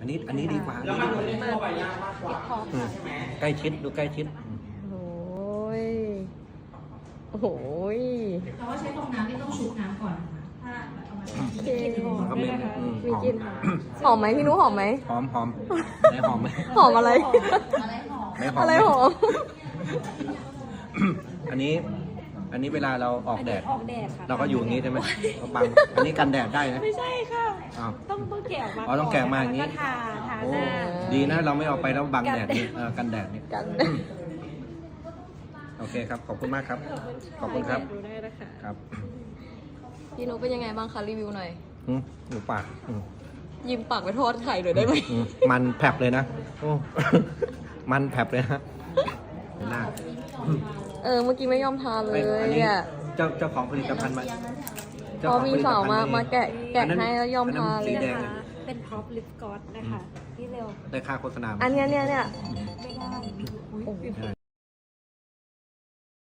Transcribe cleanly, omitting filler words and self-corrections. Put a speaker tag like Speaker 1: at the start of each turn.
Speaker 1: อันนี้ดีกว่า
Speaker 2: แล้วมันไม่ได้เข้าไปยากมากกว่า
Speaker 1: อืมใกล้ชิดดูใกล้ชิด
Speaker 3: โอ้ยโอ้โห
Speaker 4: แต่ว่าใช้ฟองน้ำไม่ต้องชุบน้ำก่อนนะคะถ้าเอามาใช้
Speaker 3: กลิ่นหอม
Speaker 1: มันก็
Speaker 3: ด้
Speaker 1: มี
Speaker 3: วยนะคะ
Speaker 1: อืม
Speaker 3: มีกลิ่นหอมไหมพี่นุ้หอมไหม
Speaker 1: หอมไหนหอมไหม
Speaker 3: หอมอะไร
Speaker 1: ไม่หอม
Speaker 3: อะไรหอม
Speaker 1: อันนี้เวลาเราออกแดด
Speaker 5: ออกแดดค่ะ
Speaker 1: เราก็อยู่อย่างนี้ใช่ไหมเอาบังอันนี้กันแดดได้นะ
Speaker 5: ไม่ใช่ค่ะ
Speaker 1: อ้าว
Speaker 5: ต้องแกะออกมา
Speaker 1: อ๋อต้องแกะมาอย่างนี้
Speaker 5: นี้ทา
Speaker 1: โอ้
Speaker 5: หน้า
Speaker 1: ดีนะเราไม่เอาไปแล้วบังแดดนี่กันแดดนี่
Speaker 3: กัน
Speaker 1: โอเคครับขอบคุณมากครับ ขอบคุณครับ
Speaker 5: ดูได้นะคะ
Speaker 1: ครับ
Speaker 3: พี่นุ้เป็นยังไงบ้างคะรีวิวหน่อย
Speaker 1: หมูปาก
Speaker 3: ยิ้มปากไปทอดไข่หน่อยได้ไหม
Speaker 1: มันแผลบเลยนะโอ้ มันแผลบเลยฮะหน้า
Speaker 3: เมื่อกี้ไม่ยอมทานเลย
Speaker 1: อันนี้
Speaker 3: อ่ะ
Speaker 1: เจ้าของผลิตภัณฑ์มา
Speaker 3: พอมีสาวมาแกะให้แล้วยอมทานเลย
Speaker 1: สีแดง
Speaker 5: นะคะเป็นพร็อพลิปกอสนะคะพี่เร็ว
Speaker 1: ได้ค่าโฆษณา
Speaker 3: อันเนี้ย
Speaker 5: ไม่ได้
Speaker 3: โอ้โห
Speaker 1: ใช่